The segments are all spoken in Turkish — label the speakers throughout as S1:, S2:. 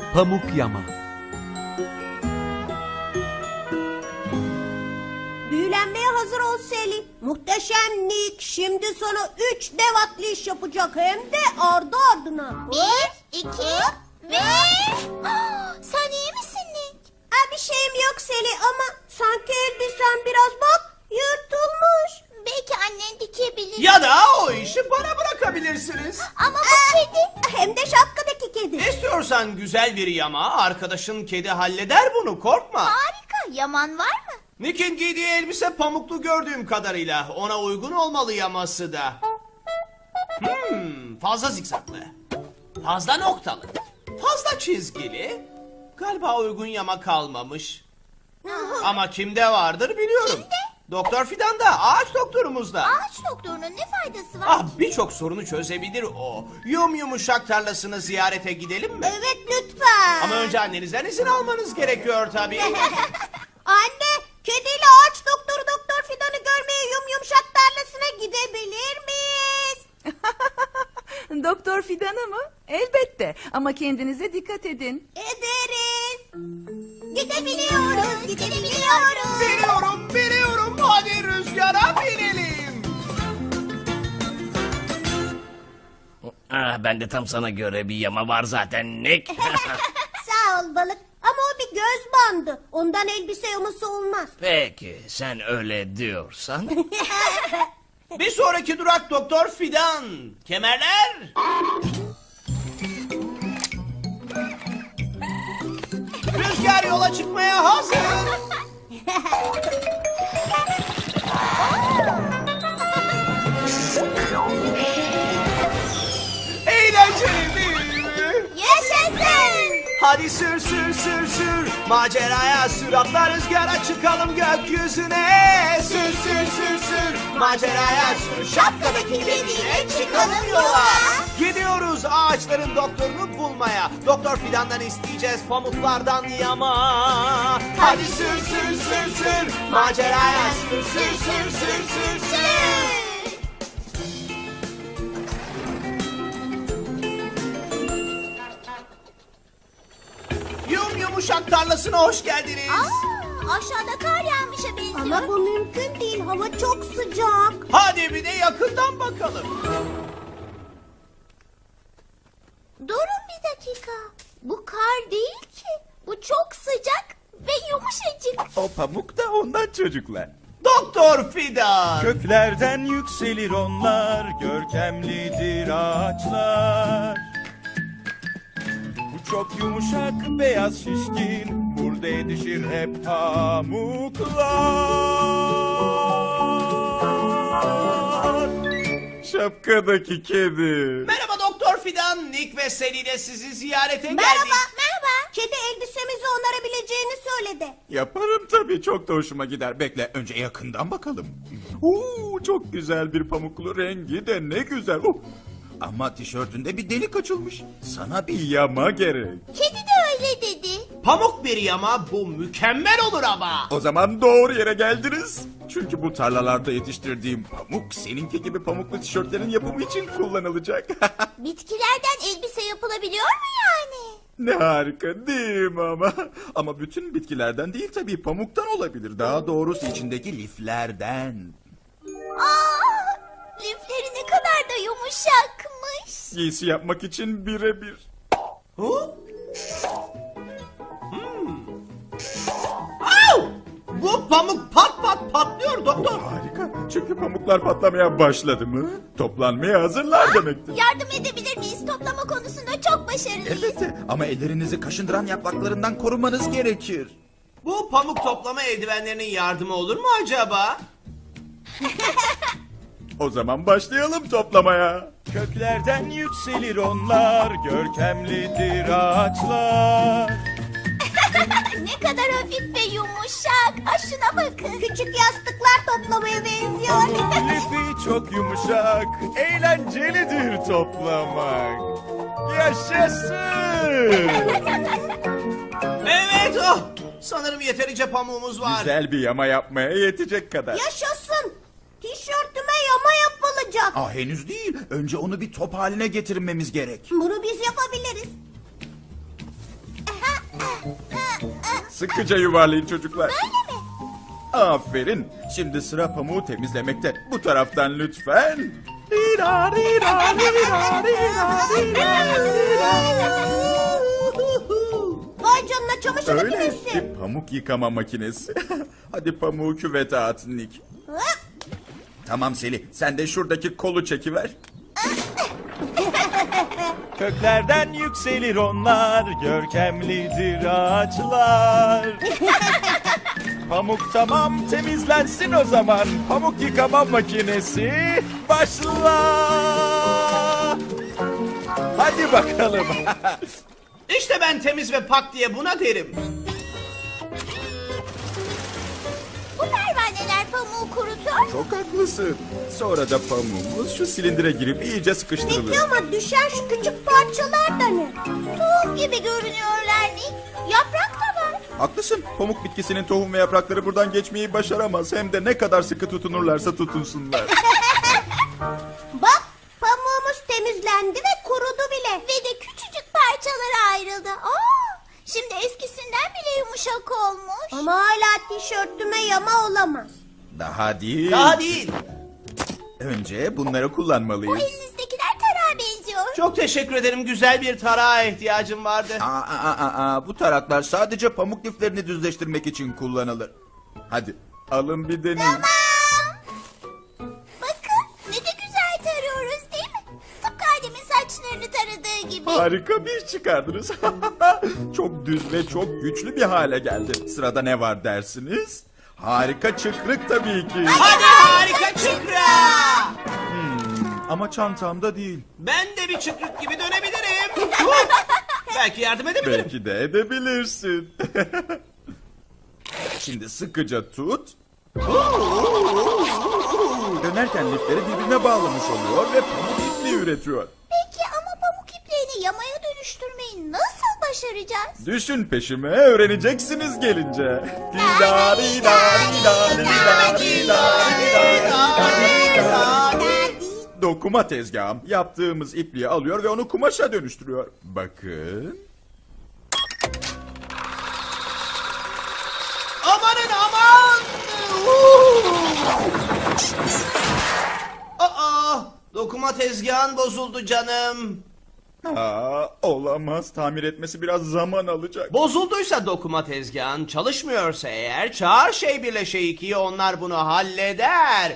S1: Pamuk yama.
S2: Büyülenmeye hazır ol Selin. Muhteşem Nick şimdi sana 3 dev atlayış yapacak hem de ardı ardına.
S3: 1, 2 ve... Sen iyi misin Nick?
S2: Bir şeyim yok Selin ama sanki elbisen biraz bak yırtılmış.
S3: Belki annen dikebilir.
S4: Ya da o işi bana bırakabilirsiniz.
S3: Ama bu kedi...
S2: Hem de şapkadaki kedi.
S4: İstiyorsan güzel bir yama, arkadaşın kedi halleder bunu, korkma.
S3: Harika. Yaman var mı?
S4: Nick'in giydiği elbise pamuklu gördüğüm kadarıyla. Ona uygun olmalı yaması da. Fazla zikzaklı. Fazla noktalı. Fazla çizgili. Galiba uygun yama kalmamış. Ama kimde vardır biliyorum.
S3: Kimde?
S4: Doktor Fidan'da, ağaç doktorumuzda.
S3: Ağaç doktorunun ne faydası var?
S4: Birçok sorunu çözebilir o. Yumuşak tarlasını ziyarete gidelim mi?
S2: Evet lütfen.
S4: Ama önce annenizden izin almanız gerekiyor tabii.
S2: Anne, kediyle ağaç doktoru Doktor Fidan'ı görmeye yumuşak tarlasına gidebilir miyiz?
S5: Doktor Fidan'a mı? Elbette ama kendinize dikkat edin.
S2: Ederiz. Gidebiliyoruz, gidebiliyoruz.
S4: Biliyorum. Hadi rüzgara binelim.
S6: Ben de tam sana göre bir yama var zaten Nick.
S2: Sağ ol balık. Ama o bir göz bandı. Ondan elbise yaması olmaz.
S6: Peki sen öyle diyorsan.
S4: Bir sonraki durak Doktor Fidan. Kemerler. Rüzgar yola çıkmaya hazır. Eğlenceli değil mi?
S3: Yaşasın!
S4: Hadi sür. Maceraya sür, atla rüzgara çıkalım gökyüzüne. Sür. Maceraya sür, şapkadaki kediyle çıkalım yola. Gidiyoruz ağaçların doktorunu bulmaya. Doktor Fidan'dan isteyeceğiz pamuklardan yama. Hadi sür. Maceraya sür. Yumuşak tarlasına hoş geldiniz.
S3: Aşağıda kar yağmışa benziyor.
S2: Ama bu mümkün değil. Hava çok sıcak.
S4: Hadi bir de yakından bakalım.
S3: Durun bir dakika. Bu kar değil ki. Bu çok sıcak ve yumuşacık.
S7: O pamuk da ondan çocuklar.
S4: Doktor Fidan.
S7: Köklerden yükselir onlar, görkemlidir ağaçlar. Bu çok yumuşak, beyaz şişkin, burada yetişir hep pamuklar. Şapkadaki kedi.
S4: Merhaba Doktor Fidan. Nick ve Sally de sizi ziyarete geldik.
S2: Merhaba. Kedi elbisemizi onarabileceğini söyledi.
S7: Yaparım tabii, çok da hoşuma gider. Bekle, önce yakından bakalım. Çok güzel bir pamuklu, rengi de ne güzel. Ama tişörtünde bir delik açılmış. Sana bir yama gerek.
S3: Kedi de öyle dedi.
S4: Pamuk bir yama, bu mükemmel olur ama.
S7: O zaman doğru yere geldiniz. Çünkü bu tarlalarda yetiştirdiğim pamuk seninki gibi pamuklu tişörtlerin yapımı için kullanılacak.
S3: Bitkilerden elbise yapılabiliyor mu yani?
S7: Ne harika değil mi ama? Ama bütün bitkilerden değil tabii, pamuktan olabilir. Daha doğrusu içindeki liflerden.
S3: Lifleri ne kadar da yumuşakmış.
S7: Giysi yapmak için birebir.
S4: Au! Bu pamuk patlıyor doktor.
S7: Harika. Çünkü pamuklar patlamaya başladı mı toplanmaya hazırlar demektir.
S3: Yardım edebilir miyiz? Toplama konusunda çok başarılıyız.
S7: Elbette, ama ellerinizi kaşındıran yapraklarından korumanız gerekir.
S4: Bu pamuk toplama eldivenlerinin yardımı olur mu acaba?
S7: O zaman başlayalım toplamaya. Köklerden yükselir onlar, görkemlidir ağaçlar.
S3: Ne kadar hafif ve yumuşak. Şuna bakın.
S2: Küçük yastıklar toplamaya benziyor.
S7: Lifi çok yumuşak, eğlencelidir toplamak. Yaşasın!
S4: Evet, sanırım yeterince pamuğumuz var.
S7: Güzel bir yama yapmaya yetecek kadar.
S2: Yaşasın. Tişörtüme yama yapılacak.
S7: Henüz değil. Önce onu bir top haline getirmemiz gerek.
S2: Bunu biz yapabiliriz.
S7: Sıkıca yuvarlayın çocuklar.
S3: Öyle mi?
S7: Aferin. Şimdi sıra pamuğu temizlemekte. Bu taraftan lütfen. Rira, rira, rira, rira, rira.
S2: Vay canına, çamaşır
S7: Öyle
S2: makinesi.
S7: bir pamuk yıkama makinesi. Hadi pamuğu küvete at Nick.
S2: Ha?
S7: Tamam Seli, sen de şuradaki kolu çekiver.
S1: Köklerden yükselir onlar, görkemlidir ağaçlar. Pamuk tamam, temizlensin o zaman. Pamuk yıkama makinesi başla. Hadi bakalım.
S4: İşte ben temiz ve pak diye buna derim.
S3: Bu pervaneler pamuğu kurutur.
S7: Çok haklısın. Sonra da pamuğumuz şu silindire girip iyice sıkıştırılır.
S2: Peki ama düşen şu küçük parçalar da ne?
S3: Tohum gibi görünüyorlar Nick. Yaprak da var.
S7: Haklısın. Pamuk bitkisinin tohum ve yaprakları buradan geçmeyi başaramaz. Hem de ne kadar sıkı tutunurlarsa tutunsunlar.
S2: Bak, pamuğumuz temizlendi ve kurudu bile.
S3: Ve de küçücük parçalara ayrıldı. Aa, şimdi eskisinden bile yumuşak olmuş.
S2: Ama hala tişörtüme yama olamaz.
S7: Daha değil.
S4: Daha değil.
S7: Önce bunları
S3: Bu
S7: kullanmalıyız.
S3: elinizdekiler tarağa benziyor.
S4: Çok teşekkür ederim. Güzel bir tarağa ihtiyacım vardı.
S7: Bu taraklar sadece pamuk liflerini düzleştirmek için kullanılır. Hadi alın bir deneyin.
S3: Bakın ne de güzel tarıyoruz değil mi? Tıpkı Adem'in saçlarını taradığı gibi.
S7: Harika bir iş çıkardınız. Çok düz ve çok güçlü bir hale geldi. Sırada ne var dersiniz? Harika çıkrık tabii ki.
S4: Hadi harika çıkra!
S7: Ama çantamda değil.
S4: Ben de bir çıkrık gibi dönebilirim. Belki yardım edebilirim.
S7: Belki de edebilirsin. Şimdi sıkıca tut. Dönerken lifleri birbirine bağlamış oluyor ve pamuk ipliği üretiyor.
S3: Peki ama pamuk iplerini yamaya dönüştürmeyi nasıl başaracağız?
S7: Düşün peşime, öğreneceksiniz gelince. Dida, dida, dida, dida, dida, dida. Dokuma tezgahım yaptığımız ipliği alıyor ve onu kumaşa dönüştürüyor. Bakın.
S4: Amanın aman! Aa, dokuma tezgahın bozuldu canım.
S7: Olamaz. Tamir etmesi biraz zaman alacak.
S4: Bozulduysa dokuma tezgahın, çalışmıyorsa eğer çağır şey birle şey ikiyi, onlar bunu halleder.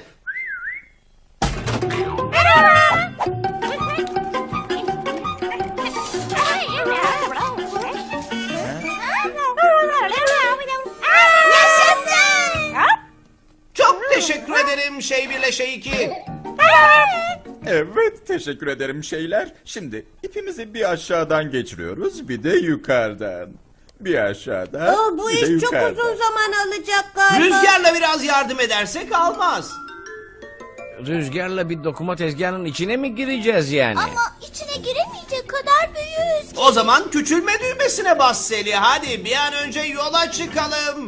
S3: Yaşasın!
S4: Çok teşekkür ederim şey birle şey iki.
S7: Evet, teşekkür ederim şeyler. Şimdi ipimizi bir aşağıdan geçiriyoruz, bir de yukarıdan. Bir aşağıda,
S2: Bu
S7: bir de
S2: iş çok
S7: yukarıda.
S2: uzun zaman alacak galiba.
S4: Rüzgarla biraz yardım edersek almaz.
S6: Rüzgarla bir dokuma tezgahının içine mi gireceğiz yani?
S3: Ama içine giremeyecek kadar büyüğüz ki.
S4: O zaman küçülme düğmesine bas Seli. Hadi bir an önce yola çıkalım.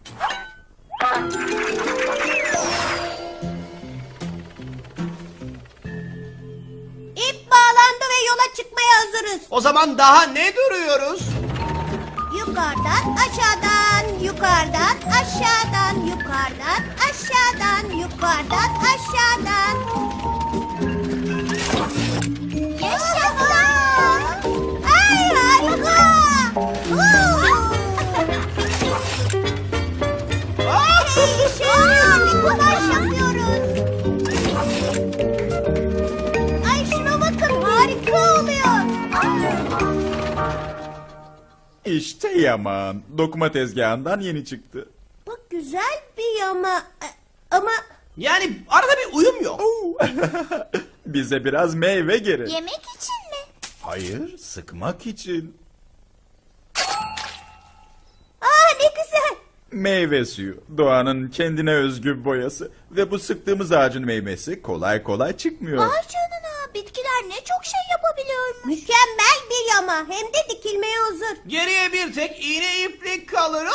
S2: İp bağlandı ve yola çıkmaya hazırız.
S4: O zaman daha ne duruyoruz?
S2: Yukarıdan aşağıdan, yukarıdan aşağıdan, yukarıdan aşağıdan, yukarıdan aşağıdan.
S3: Yaşasın!
S2: Ay harika! Hey, işe yarıyor, bir kumaş yapıyoruz. Ay şuna bakın, harika oluyor.
S7: İşte yaman. Dokuma tezgahından yeni çıktı.
S2: Bak güzel bir yama. Ama
S4: Yani arada bir uyum yok.
S7: Bize biraz meyve gerek.
S3: Yemek için mi?
S7: Hayır, sıkmak için.
S2: ne güzel.
S7: Meyve suyu, doğanın kendine özgü boyası. Ve bu sıktığımız ağacın meyvesi kolay kolay çıkmıyor.
S3: Vay canına, bitkiler ne çok şey yapabiliyormuş.
S2: Mükemmel bir yama. Hem de dikilmeye hazır.
S4: Geriye bir tek iğne iplik kalır.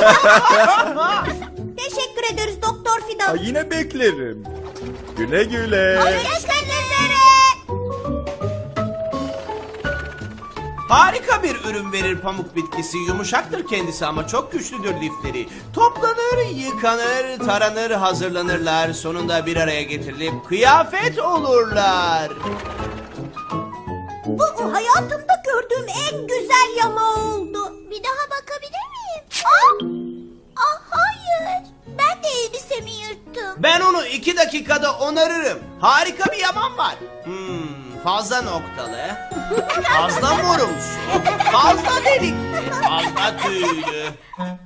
S2: Teşekkür ederiz Doktor Fidan.
S7: Yine beklerim. Güle güle.
S2: Görüşmek üzere.
S4: Harika bir ürün verir pamuk bitkisi. Yumuşaktır kendisi ama çok güçlüdür lifleri. Toplanır, yıkanır, taranır, hazırlanırlar. Sonunda bir araya getirilip kıyafet olurlar.
S2: Bu hayatımda gördüğüm en güzel yama oldu.
S3: Bir daha bakabilir miyim? Hayır. Ben de elbisemi yırttım.
S4: Ben onu 2 dakikada onarırım. Harika bir yaman var. Fazla noktalı, fazla morumsu, fazla delikli, fazla tüylü.